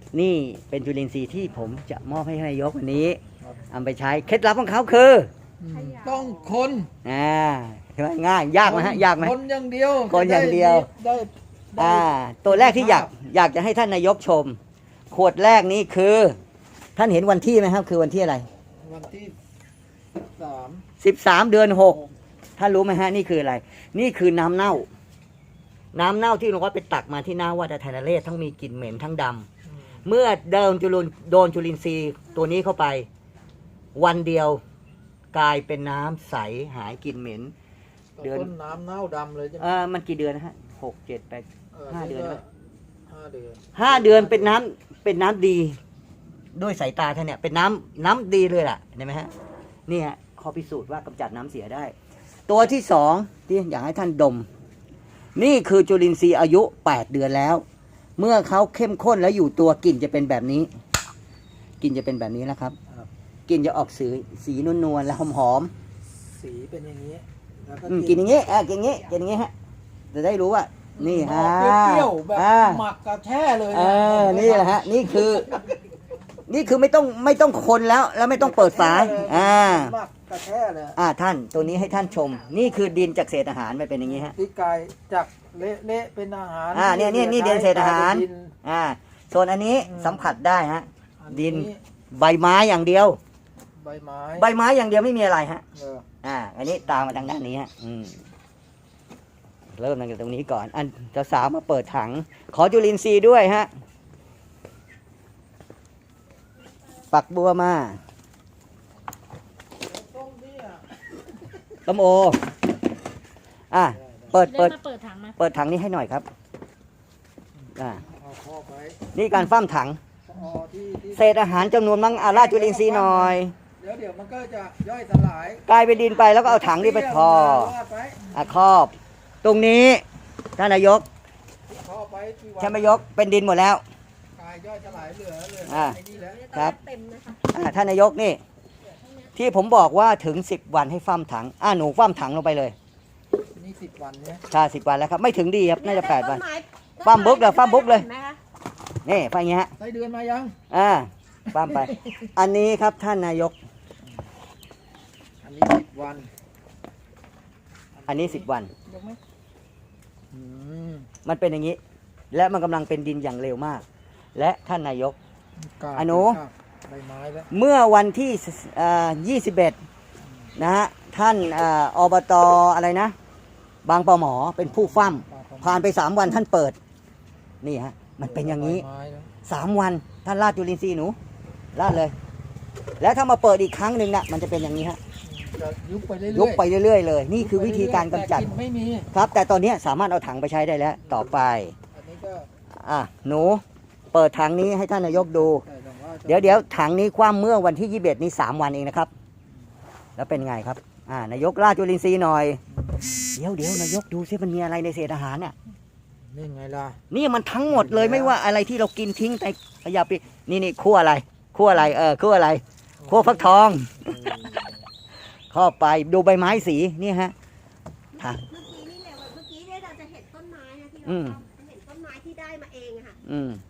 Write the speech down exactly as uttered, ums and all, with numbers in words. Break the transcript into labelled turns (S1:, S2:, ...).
S1: นี่เป็นจุลินทรีย์ที่ผมจะมอบให้นายกวันนี้เอาไปใช้เคล็ดลับของเขาคือ
S2: ต้องคน
S1: อ่าใช่ไหมง่ายยากไหมฮะยากไหม
S2: คนอย่างเดียว
S1: คนอย่างเดียว
S2: ได้ได้
S1: อ่าตัวแรกที่อยากอยากจะให้ท่านนายกชม ขวดแรกนี้คือ ท่านเห็นวันที่ไหมครับคือวันที่อะไร
S2: วันที่สาม
S1: สิบสามเดือนหกท่านรู้ไหมฮะนี่คืออะไร นี่คือน้ำเน่า น้ำเน่าที่หลวงพ่อไปตักมาที่หน้าวัดไทยนเรศทั้งมีกลิ่นเหม็นทั้งดำเมื่อเดิมจุลินโดนจุลินทรีย์ตัวนี้เข้าไป วันเดียวกลายเป็นน้ำใสหายกลิ่นเหม็นเดือน
S2: ต้นน้ำเน่าดำเลยใช่ไหม
S1: เออมันกี่เดือนนะฮะหกเจ็ดแปดห้าเดือนไหม
S2: ห้าเดือน
S1: ห้าเดือนเป็นน้ำเป็นน้ำดี ด้วยสายตาท่านเนี่ยเป็นน้ำน้ำดีเลยล่ะเห็นไหมฮะนี่ฮะข้อพิสูจน์ว่ากำจัดน้ำเสียได้ ตัวที่สองที่อยากให้ท่านดม นี่คือจุลินทรีย์อายุแปดเดือนแล้ว เมื่อเขาเข้มข้นแล้วอยู่ตัวกลิ่นจะเป็นแบบนี้กลิ่นจะเป็นแบบนี้นะครับกลิ่นจะออกสีสีนวลๆและหอม
S2: สีเป็นอย่างนี้แล้ว
S1: ๆอืมกลิ่นอย่างนี้เออกินอย่างนี้กินอย่างนี้ฮะจะได้รู้ว่านี่ฮะ
S2: เปรี้ยวๆแบบ
S1: อ่า
S2: หมักกระแช่เลย
S1: เออนี่แหละฮะนี่คือ นี่คือไม่ต้องไม่ต้องคนแล้วแล้วไม่ต้องเปิดฝาอ่า
S2: หมักกระแช่เลย
S1: อ่าท่านตัวนี้ให้ท่านชม นี่คือดินจากเศษอาหารไม่เป็นอย่างนี้ฮะ
S2: ที่กายจากเละๆเป็นอาหาร
S1: อ่าเนี่ยเนี่ยนี่ดินเศษอาหาร
S2: กลยเป็นดิน
S1: อ่าส่วนอันนี้
S2: อืม
S1: สัมผัสได้ฮะ
S2: อั
S1: ดินใบไม้อย่างเดียว
S2: ใบไม้
S1: ใบไม้อย่างเดียวไม่มีอะไรฮะ
S2: เออ
S1: อ่า อันนี้ตามมาทางด้านนี้ฮะอืมเริ่มตั้งแต่ตรงนี้ก่อน อันจะสาวมาเปิดถัง ขอจุลินทรีย์ด้วยฮะปักบัวมา
S2: ต้มเนี่ย
S1: ต้มโออ่ะเปิด
S3: เปิ
S1: เปิ
S3: ด
S1: ด
S3: มาเปิดถังมา
S1: เปิดถังนี้ให้หน่อยครับอ่า
S2: เอาครอบไว้
S1: นี่การฟ้ามถัง
S2: อ๋อที่ที่
S1: เศษอาหารจำนวนมั่งอาราดจุลินทรีย์หน่อย
S2: เดี๋ยวเดี๋ยวมันก็จะย่อยสลาย
S1: กลายเป็นดินไปแล้วก็เอาถังนี้ไปพอ
S2: วาดไว้
S1: อ่ะครอบ ตรงนี้ท่านนายก
S2: ครอบไว้ที่วัด
S1: ใช่ไหมยกเป็นดินหมดแล้ว
S2: กายย่อยสลายเหลือเหลือ
S1: อ่า
S2: ไอ้นี่แหละ
S1: ครับ
S3: เต็มนะคะ
S1: อ่ะท่านนายกนี่ ที่ผมบอกว่าถึงสิบวันให้ฟ้ามถังอ่ะหนูฟ้ามถังลงไปเลย
S2: นี่สิบวันเนี่ย
S1: ใช่สิบวันแล้วครับ ไม่ถึงดีครับน่าจะแปดวัน
S3: ต้ไม้
S1: ฟ้ามบุ๊กเลยฟ้ามบุ๊กเลย
S3: ห็นไหมคะ
S1: นี่ไปอย่างเงี้ยฮะ
S2: ไส้เดือนมายัง
S1: อ่าฟ้ามไป อันนี้ครับท่านนายก
S2: อันนี้สิบวัน
S1: อันนี้สิบวัน
S2: ยกไหมอืม
S1: มันเป็นอย่างนี้ และมันกำลังเป็นดินอย่างเร็วมาก และท่านนายก
S2: กาบ
S1: อนุ
S2: กาบใบไม้แล้ว
S1: เมื่อวันที่ยี่สิบเอ็ดนะฮะท่านเอ่ออบตอะไรนะ บางปอหมอเป็นผู้ฟั่มผ่านไปสามวันท่านเปิด นี่ฮะมันเป็นอย่างนี้
S2: ใบไม้แล้ว
S1: สามวันท่านราดจุลินทรีย์หนูราดเลย แล้วถ้ามาเปิดอีกครั้งหนึ่งนะมันจะเป็นอย่างนี้ฮะ
S2: จะยุบไปเรื่อยๆ
S1: ยุบไปเรื่อยๆเลย นี่คือวิธีการกำจัด
S2: แต่ลิ่นไม่มี
S1: ครับ แต่ตอนนี้สามารถเอาถังไปใช้ได้แล้ว ต่อไป
S2: อันนี้ก็
S1: อ่ะหนูเปิดถังนี้ให้ท่านนายกดู
S2: แต่ต้องว่าจะ
S1: เดี๋ยวเดี๋ยวถังนี้คว่ำเมื่อวันที่ยี่สิบเอ็ดนี้สามวันเองนะครับ แล้วเป็นไงครับ อ่านายกราดจุลินทรีย์หน่อย เดี๋ยวเดี๋ยวนายกดูซิมันมีอะไรในเศษอาหารน่ะ
S2: นี่ไงล่ะ
S1: นี่มันทั้งหมดเลยไม่ว่าอะไรที่เรากินทิ้งแต่ขยะไปนี่นี่คั่วอะไรคั่วอะไรเออคั่วอะไรคั่วฟักทองเข้าไปดูใบไม้สีนี่ฮะค่ะ
S3: เมื่อกี้นี่เนี่ยเมื่อกี้เนี่ยเราจะเห็นต้นไม้นะที่เรา
S1: อืม
S3: เห็นต้นไม้ที่ได้มาเองอะค่ะ
S1: อืม